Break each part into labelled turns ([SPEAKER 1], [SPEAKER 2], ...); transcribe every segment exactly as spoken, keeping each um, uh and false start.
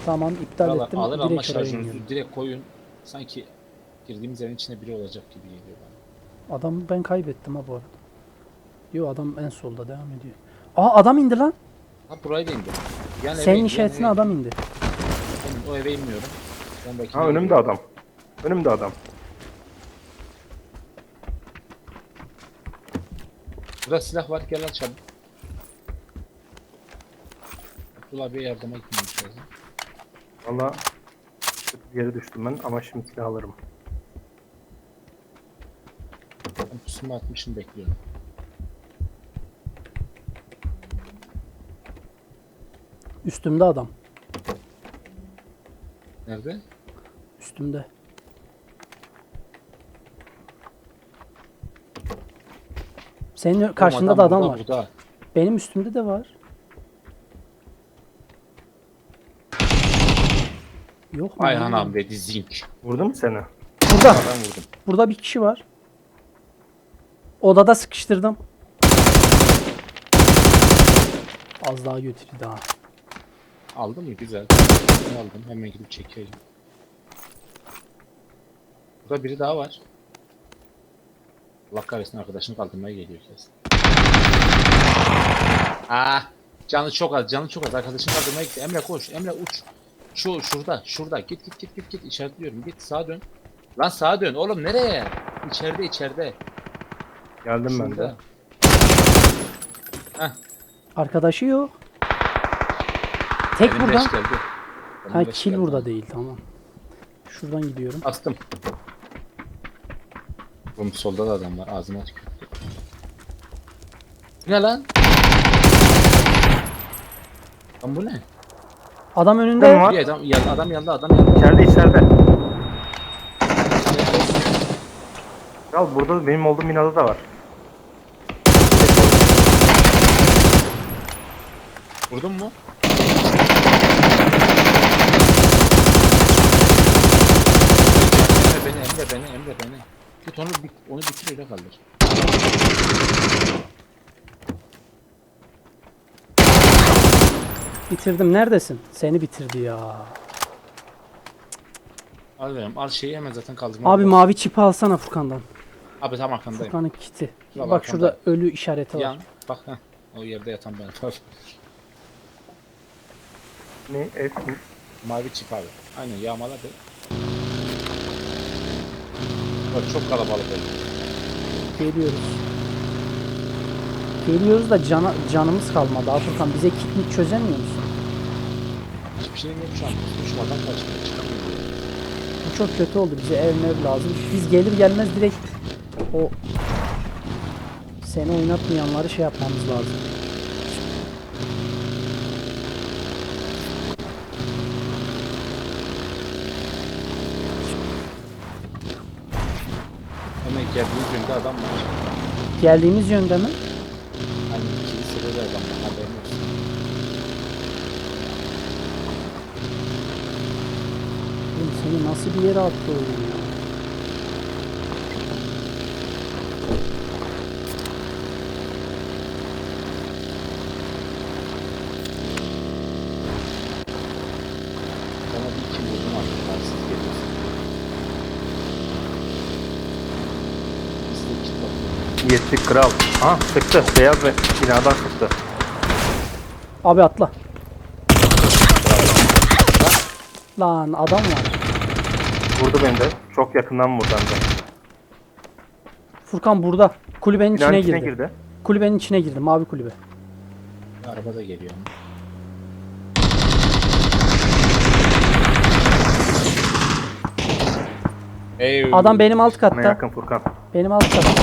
[SPEAKER 1] Tamam iptal
[SPEAKER 2] Valla
[SPEAKER 1] ettim.
[SPEAKER 2] alır ama
[SPEAKER 1] Direkt oraya
[SPEAKER 2] şarjınızı
[SPEAKER 1] iniyorum.
[SPEAKER 2] direkt koyun. Sanki girdiğimiz evin içinde biri olacak gibi geliyor bana.
[SPEAKER 1] Adamı ben kaybettim ha bu arada. Yo adam en solda devam ediyor. Aa adam indi lan.
[SPEAKER 2] Ha burayı da indim. Yan eve
[SPEAKER 1] Senin
[SPEAKER 2] indi, yan
[SPEAKER 1] işaretine
[SPEAKER 2] eve
[SPEAKER 1] adam
[SPEAKER 2] indi.
[SPEAKER 1] indi.
[SPEAKER 2] Oğlum, o eve inmiyorum. Ben bakayım.
[SPEAKER 3] Ha önümde adam. Önümde adam.
[SPEAKER 2] Burada silah var, gel al çabuk. Abdullah abiye yardıma gitmemiz lazım.
[SPEAKER 3] Valla geri düştüm ben ama şimdi silah alırım.
[SPEAKER 2] Ben pusumu atmışım, bekliyorum.
[SPEAKER 1] Üstümde adam.
[SPEAKER 2] Nerede?
[SPEAKER 1] Üstümde. Senin karşında
[SPEAKER 2] Oğlum,
[SPEAKER 1] da adam
[SPEAKER 2] burada,
[SPEAKER 1] var.
[SPEAKER 2] Burada.
[SPEAKER 1] Benim üstümde de var. Yok mu?
[SPEAKER 2] Ayhan abi dedi zink.
[SPEAKER 3] Vurdu mu seni?
[SPEAKER 1] Burada.
[SPEAKER 2] Ben vurdum.
[SPEAKER 1] Burada bir kişi var. Odada sıkıştırdım. Az daha götürdü daha.
[SPEAKER 2] Aldın mı? Güzel. Ben aldım. Hemen gidip çekeyim. Burada biri daha var. Allah kahretsin, arkadaşını kaldırmaya geliyor kesin. Ah, canı çok az, canı çok az. Arkadaşını kaldırmaya gitti. Emre koş, Emre uç. Şu şurada, şurada. Git git git git git. İşaretliyorum. Git sağa dön. Lan sağa dön. Oğlum nereye? İçeride içeride.
[SPEAKER 3] Geldim ben de.
[SPEAKER 2] Şurada. Heh.
[SPEAKER 1] Arkadaşı yok. Tek
[SPEAKER 2] Benim
[SPEAKER 1] buradan.
[SPEAKER 2] beş geldi. Benim
[SPEAKER 1] Ha
[SPEAKER 2] beş
[SPEAKER 1] kill
[SPEAKER 2] geldi.
[SPEAKER 1] burada değil tamam. Şuradan gidiyorum.
[SPEAKER 2] Bastım. Oğlum solda da adam var. Ağzıma tükürdü. Bu ne lan? Lan bu ne?
[SPEAKER 1] Adam
[SPEAKER 3] Kim
[SPEAKER 1] önünde.
[SPEAKER 3] var?
[SPEAKER 2] Bir adam yandı, adam yandı, adam yandı.
[SPEAKER 3] İçeride içeride. Kral burada benim olduğum binada da var.
[SPEAKER 2] Vurdun mu? Emre beni, Emre beni, Emre beni. Git onu, bit onu bitir, öyle kaldır.
[SPEAKER 1] Bitirdim. Neredesin? Seni bitirdi ya.
[SPEAKER 2] Al verim, al şeyi hemen zaten kaldırma.
[SPEAKER 1] Abi mavi çipi alsana Furkan'dan.
[SPEAKER 2] Abi tam arkandayım.
[SPEAKER 1] Furkan'ın kiti.
[SPEAKER 2] Şurada
[SPEAKER 1] Bak
[SPEAKER 2] arkanda.
[SPEAKER 1] şurada ölü işareti var.
[SPEAKER 2] Yan, bak ha. O yerde yatan ben. Var.
[SPEAKER 3] Ne? Ev mi?
[SPEAKER 2] Mavi çip abi. Aynen yağmaladı. Bak çok kalabalık oldu.
[SPEAKER 1] Geliyoruz. Geliyoruz da cana, canımız kalmadı. Abi Furkan bize kitlik çözemiyor musun?
[SPEAKER 2] Hiçbir şeyim yok şu an. Düşmadan kaçmaya çıkamıyorum.
[SPEAKER 1] Bu çok kötü oldu. Bize ev mev lazım. Biz gelir gelmez direkt o seni oynatmayanları şey yapmamız lazım.
[SPEAKER 2] Hemen geldiğiniz yönde adam var.
[SPEAKER 1] Geldiğimiz yönde mi?
[SPEAKER 2] Hani kilisede de adam var. Haberin olsun.
[SPEAKER 1] Oğlum seni nasıl bir yere attı oyun ya?
[SPEAKER 2] Bana bir iki vurdum artık. Siz geliyorsunuz. Biz de kit bakıyoruz.
[SPEAKER 3] Yettik kral. Ha sıktı. Beyaz ve binadan sıktı.
[SPEAKER 1] Abi atla. Lan adam var.
[SPEAKER 3] Vurdu beni de. Çok yakından vurdu hem de.
[SPEAKER 1] Furkan burada. Kulübenin
[SPEAKER 3] Binanın
[SPEAKER 1] içine
[SPEAKER 3] içine
[SPEAKER 1] girdi.
[SPEAKER 3] girdi.
[SPEAKER 1] Kulübenin içine girdi. Mavi kulübe.
[SPEAKER 2] Araba da geliyor. Ey
[SPEAKER 1] Adam benim alt
[SPEAKER 3] Bana
[SPEAKER 1] katta.
[SPEAKER 3] yakın Furkan.
[SPEAKER 1] Benim alt katta.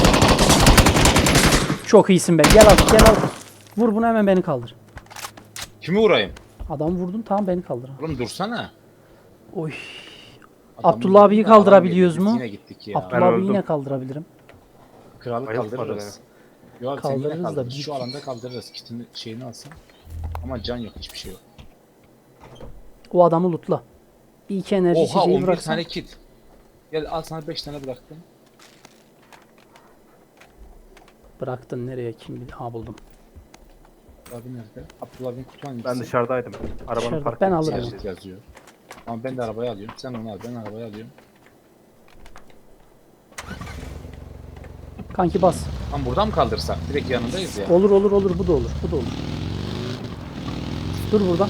[SPEAKER 1] Çok iyisin be. Gel al, gel al. Vur bunu hemen beni kaldır.
[SPEAKER 2] Kimi vurayım?
[SPEAKER 1] Adamı vurdun tamam beni kaldır.
[SPEAKER 2] Oğlum dursana.
[SPEAKER 1] Oy.
[SPEAKER 2] Adamı
[SPEAKER 1] Abdullah abiyi
[SPEAKER 2] vurdum da adam
[SPEAKER 1] kaldırabiliyoruz
[SPEAKER 2] geldi, biz
[SPEAKER 1] mu?
[SPEAKER 2] Yine gittik ya.
[SPEAKER 1] Abdullah abiyi
[SPEAKER 3] öldüm.
[SPEAKER 1] yine kaldırabilirim.
[SPEAKER 2] Kralı
[SPEAKER 3] Bayıltmadı
[SPEAKER 2] kaldırırız. Yok abi sen yine
[SPEAKER 1] Kaldırırız da
[SPEAKER 2] kaldırırız.
[SPEAKER 1] bir-
[SPEAKER 2] Şu alanda kaldırırız. Kitini şeyini alsın. Ama can yok, hiçbir şey yok.
[SPEAKER 1] O adamı lootla. Bir iki enerji
[SPEAKER 2] Oha
[SPEAKER 1] içeceği
[SPEAKER 2] on bir
[SPEAKER 1] bıraksan.
[SPEAKER 2] tane kit. Gel al sana beş tane bıraktım.
[SPEAKER 1] Bıraktın nereye kim bilir. Ha buldum.
[SPEAKER 2] Abi nerede? Abdullah bin kutu hangisi?
[SPEAKER 3] Ben dışarıdaydım. Arabanın
[SPEAKER 1] Dışarıda.
[SPEAKER 3] parkı.
[SPEAKER 1] Ben alırım.
[SPEAKER 2] Yazıyor. Ama ben de arabayı alıyorum. Sen onu al, ben arabayı alıyorum.
[SPEAKER 1] Kanki bas.
[SPEAKER 2] Tam buradan mı kaldırsak? Direkt yanındayız ya.
[SPEAKER 1] Olur olur olur, bu da olur. Bu da olur. Dur burada.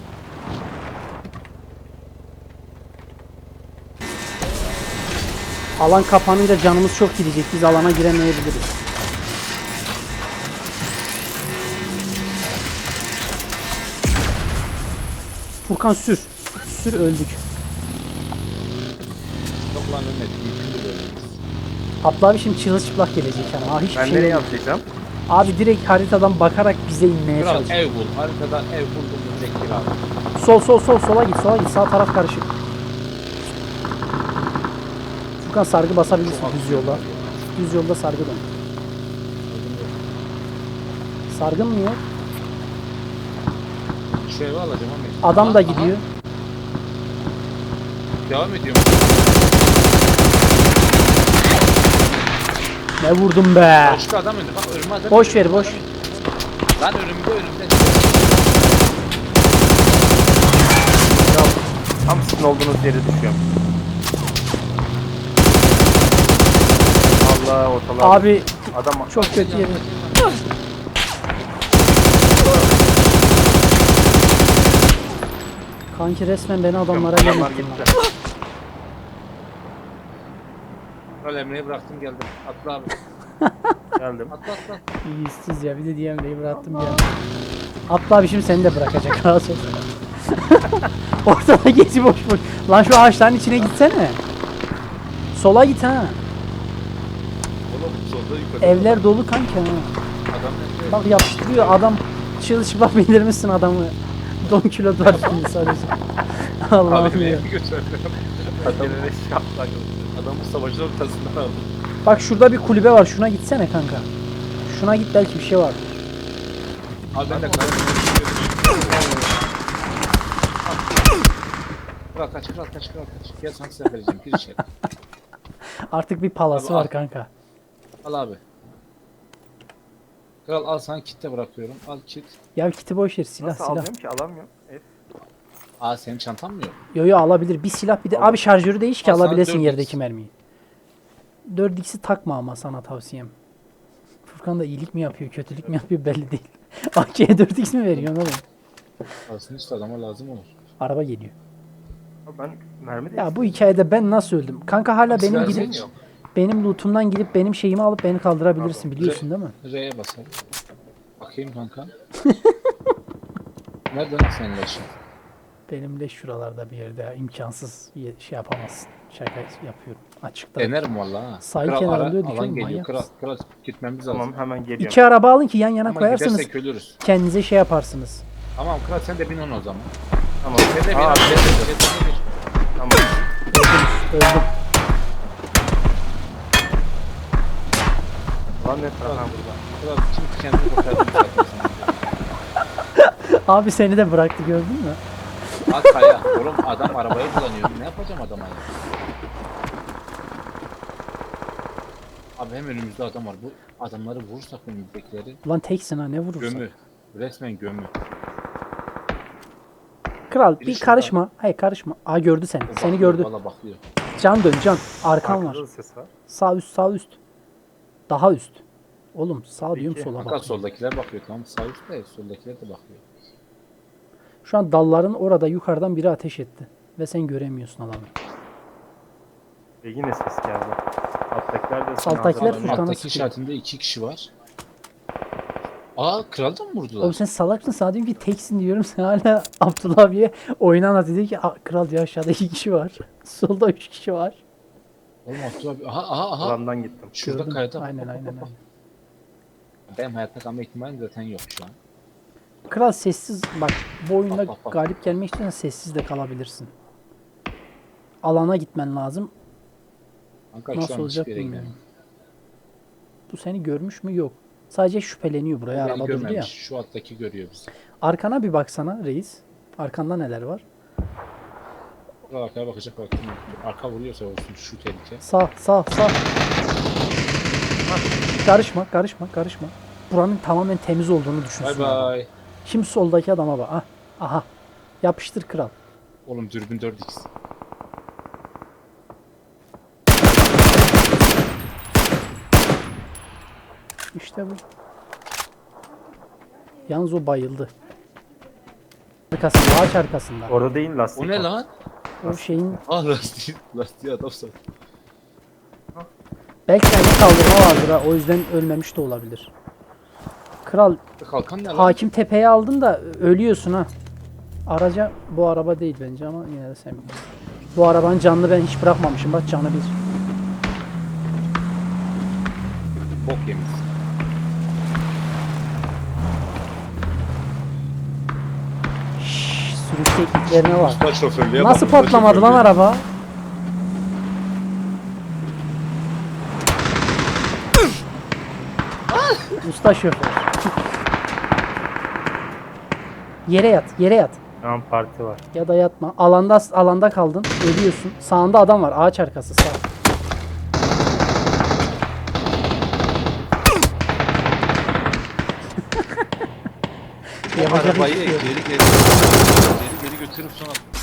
[SPEAKER 1] Alan kapanınca canımız çok gidecek. Biz alana giremeyebiliriz. Furkan sür. Sür, öldük.
[SPEAKER 2] Yok lan ölmedik. Mümkün değil ölmemiz.
[SPEAKER 1] Abla abi şimdi çırılçıplak gelecek yani. Aa, hiçbir
[SPEAKER 3] Ben
[SPEAKER 1] şey
[SPEAKER 3] nereye
[SPEAKER 1] yok.
[SPEAKER 3] atlayacağım?
[SPEAKER 1] Abi direkt haritadan bakarak bize inmeye
[SPEAKER 2] Kral
[SPEAKER 1] çalışıyor.
[SPEAKER 2] ev bul. Haritadan ev buldum mu direkt gir abi.
[SPEAKER 1] Sol sol sol, sola git, sola git. Sağ taraf karışık. Furkan sargı basabilirsin düz yolda. Düz yolda sargı dön. Sargın mı yok?
[SPEAKER 2] Şu evi alacağım ama.
[SPEAKER 1] Adam
[SPEAKER 2] Aha,
[SPEAKER 1] da
[SPEAKER 2] aha.
[SPEAKER 1] gidiyor.
[SPEAKER 2] Devam ediyorum.
[SPEAKER 1] Ne vurdum be.
[SPEAKER 2] Başka adam önde. Bak önüme adam.
[SPEAKER 1] Boş ver,
[SPEAKER 2] önüme
[SPEAKER 1] boş.
[SPEAKER 2] adam. Lan önümde önümde.
[SPEAKER 3] Ya, tam sizin olduğunuz yere düşüyorum. Allah ortalığa.
[SPEAKER 1] Abi
[SPEAKER 3] Adam
[SPEAKER 1] çok kötü yeri. Kanki resmen beni adamlara
[SPEAKER 3] Adamlar
[SPEAKER 1] yemettin
[SPEAKER 3] gitti.
[SPEAKER 1] lan.
[SPEAKER 2] Kral Emre'yi bıraktım geldim. Atla abi.
[SPEAKER 3] Geldim.
[SPEAKER 2] Atla atla.
[SPEAKER 1] İyisiz ya, bir de D M'deyi bıraktım ya. Atla abi, şimdi seni de bırakacak. Rahat ol. Ortada gezi boş boş. Lan şu ağaçların içine gitsene. Sola git ha.
[SPEAKER 2] Oğlum solda yukarıda.
[SPEAKER 1] Evler dolu kanka ha.
[SPEAKER 2] Adam nerede?
[SPEAKER 1] Bak yapıştırıyor adam. Çırılçıplak bildirmişsin adamı. on kilo var şimdi sadece. Allah'ım
[SPEAKER 2] Abi
[SPEAKER 1] ya.
[SPEAKER 2] neye götürdüm? Adam, adamı savaşın ortasından aldım.
[SPEAKER 1] Bak şurada bir kulübe var. Şuna gitsene kanka. Şuna git, belki bir şey var.
[SPEAKER 2] Abi ben de kral. Kral kaç kral kaç kral kaç. Gel sana silah vereceğim. Gir içeri.
[SPEAKER 1] Artık bir palası
[SPEAKER 2] Abi,
[SPEAKER 1] var
[SPEAKER 2] al.
[SPEAKER 1] kanka.
[SPEAKER 2] Al abi. Kral al sana kit de bırakıyorum. Al kit.
[SPEAKER 1] Ya kiti boş ver, silah
[SPEAKER 3] Nasıl
[SPEAKER 1] silah.
[SPEAKER 3] alıyorum ki? Alamıyorum. F.
[SPEAKER 2] Aa senin çantan mı yok?
[SPEAKER 1] Yo yo, alabilir. Bir silah, bir de
[SPEAKER 3] Tamam.
[SPEAKER 1] abi şarjörü değiş ki
[SPEAKER 2] Al sana
[SPEAKER 1] alabilesin
[SPEAKER 2] dört
[SPEAKER 1] yerdeki
[SPEAKER 2] X.
[SPEAKER 1] mermiyi. dört x'i takma ama, sana tavsiyem. Furkan da iyilik mi yapıyor, kötülük mü yapıyor belli değil. A K'ye dört x mi veriyorsun oğlum?
[SPEAKER 2] Aslında işte adama lazım olur.
[SPEAKER 1] Araba geliyor.
[SPEAKER 3] Abi ben mermi de
[SPEAKER 1] Ya bu hikayede ben nasıl öldüm? Kanka hala benim
[SPEAKER 2] Silah
[SPEAKER 1] gidip
[SPEAKER 2] senin yok.
[SPEAKER 1] benim lootumdan gidip benim şeyimi alıp beni kaldırabilirsin, biliyorsun değil mi?
[SPEAKER 2] R'ye basalım. Bakayım kanka. Nereden senin leşin?
[SPEAKER 1] Benim de şuralarda bir yerde ya, imkansız ye- şey yapamazsın. Şaka yapıyorum. Açıkta.
[SPEAKER 2] Denerim valla ha.
[SPEAKER 1] Sahil
[SPEAKER 2] Kral
[SPEAKER 1] kenarında
[SPEAKER 2] ara-
[SPEAKER 1] öldük
[SPEAKER 2] alan
[SPEAKER 1] oğlum,
[SPEAKER 2] geliyor.
[SPEAKER 1] manyak
[SPEAKER 2] Kral,
[SPEAKER 1] mısın?
[SPEAKER 2] kral gitmemiz lazım.
[SPEAKER 3] Tamam hemen geliyorum.
[SPEAKER 1] İki araba alın ki yan yana
[SPEAKER 2] Ama
[SPEAKER 1] koyarsanız
[SPEAKER 2] gidersek ölürüz.
[SPEAKER 1] kendinize şey yaparsınız.
[SPEAKER 2] Tamam kral sen de bin on o zaman.
[SPEAKER 3] Tamam.
[SPEAKER 2] Sen de bin
[SPEAKER 3] Aa,
[SPEAKER 2] on. Sen de bin, sen de bin.
[SPEAKER 3] tamam.
[SPEAKER 1] Öldüm.
[SPEAKER 3] Lan ne
[SPEAKER 2] Kral
[SPEAKER 3] taraftan
[SPEAKER 2] burada. Kral kim kendini kurtardı zaten sana.
[SPEAKER 1] Abi seni de bıraktı, gördün mü?
[SPEAKER 2] Al kaya. Oğlum adam arabayı kullanıyor. Ne yapacağım adama ya? Abi hem önümüzde adam var. Bu adamları vurursak önümüzdekileri
[SPEAKER 1] Ulan teksin ha, ne vurursun?
[SPEAKER 2] gömü. Resmen gömü.
[SPEAKER 1] Kral
[SPEAKER 2] Biri
[SPEAKER 1] bir
[SPEAKER 2] şurada.
[SPEAKER 1] karışma. Hayır karışma. Aa gördü seni.
[SPEAKER 2] O
[SPEAKER 1] Seni
[SPEAKER 2] bakıyor,
[SPEAKER 1] gördü.
[SPEAKER 2] Valla bakıyor.
[SPEAKER 1] Can dön can. Arkan
[SPEAKER 3] Arkada
[SPEAKER 1] var.
[SPEAKER 3] da ses var.
[SPEAKER 1] Sağ üst, sağ üst. Daha üst. Oğlum sağ
[SPEAKER 3] Peki.
[SPEAKER 1] diyorum, sola
[SPEAKER 2] Fakat
[SPEAKER 1] bak.
[SPEAKER 2] soldakiler bakıyor tamam. Sağ üstte soldakiler de bakıyor.
[SPEAKER 1] Şu an dalların orada yukarıdan biri ateş etti. Ve sen göremiyorsun adamı.
[SPEAKER 3] Ve yine ses geldi. Alttakiler de
[SPEAKER 1] Alttakiler
[SPEAKER 3] Hazır-
[SPEAKER 1] Furkan'a
[SPEAKER 2] Alttaki
[SPEAKER 1] sıkıyor.
[SPEAKER 2] işaretinde iki kişi var. Aa kral da mı vurdular?
[SPEAKER 1] Oğlum sen salaksın, sana diyorum ki teksin diyorum. Sen hala Abdullah abiye oyunu anlat, dedi ki "Aa, kral diyor, aşağıda iki kişi var. Solda üç kişi var.
[SPEAKER 2] Oğlum Abdullah abi. Aha aha aha.
[SPEAKER 3] Alandan gittim.
[SPEAKER 2] Şurada
[SPEAKER 1] Gördüm.
[SPEAKER 2] kayada.
[SPEAKER 1] Aynen aynen aynen.
[SPEAKER 2] Benim hayatta kalma ihtimalim zaten yok şu an.
[SPEAKER 1] Kral sessiz bak, bu oyunda
[SPEAKER 2] Bak, bak, bak.
[SPEAKER 1] galip gelmek istiyorsan sessiz de kalabilirsin. Alana gitmen lazım.
[SPEAKER 2] Kanka şu
[SPEAKER 1] Nasıl
[SPEAKER 2] an
[SPEAKER 1] olacak
[SPEAKER 2] hiçbir yere
[SPEAKER 1] bilmiyorum.
[SPEAKER 2] gidemiyorum.
[SPEAKER 1] Bu seni görmüş mü? Yok. Sadece şüpheleniyor, buraya
[SPEAKER 2] Beni
[SPEAKER 1] araba durdu ya.
[SPEAKER 2] görmemiş. Şu alttaki görüyor bizi.
[SPEAKER 1] Arkana bir baksana reis. Arkanda neler var?
[SPEAKER 2] Burada arkaya bakacak bak. Arka vuruyorsa olsun şu tehlike.
[SPEAKER 1] Sağ sağ sağ. Karışma karışma karışma. Buranın tamamen temiz olduğunu
[SPEAKER 2] Bay
[SPEAKER 1] düşünsün. adam.
[SPEAKER 2] bay.
[SPEAKER 1] Şimdi soldaki adama bak. Ah, aha. Yapıştır kral.
[SPEAKER 2] Oğlum dürbün dört x.
[SPEAKER 1] İşte bu. Yalnız o bayıldı. Arkasında, ağaç arkasında.
[SPEAKER 3] Orada değil lastik.
[SPEAKER 2] O ne
[SPEAKER 3] var.
[SPEAKER 2] lan?
[SPEAKER 1] O şeyin
[SPEAKER 2] Ah lastiği, lastiği adam sattı.
[SPEAKER 1] belki kendi kaldırma vardır ha. O yüzden ölmemiş de olabilir. Kral,
[SPEAKER 2] Kalkan ne lan?
[SPEAKER 1] hakim tepeye aldın da ölüyorsun ha. Araca bu araba değil bence ama yine de sen bilirsin. Bu arabanın canını ben hiç bırakmamışım. Bak canı bir.
[SPEAKER 2] Bok yemiş.
[SPEAKER 1] Şşş, sürüş tekniklerine bak.
[SPEAKER 2] Usta şoförlüğe bak,
[SPEAKER 1] Nasıl
[SPEAKER 2] usta
[SPEAKER 1] patlamadı lan
[SPEAKER 2] şoförlüğe.
[SPEAKER 1] araba? Usta şoför. Yere yat, yere yat.
[SPEAKER 3] Şu an parti var.
[SPEAKER 1] Ya da yatma. Alanda alanda kaldın. Ölüyorsun. Sağında adam var. Ağaç arkası sağ.
[SPEAKER 2] O
[SPEAKER 1] Yapacak
[SPEAKER 2] arabayı
[SPEAKER 1] hiçbir şey yok.
[SPEAKER 2] geri geri geri geri götürüp sonra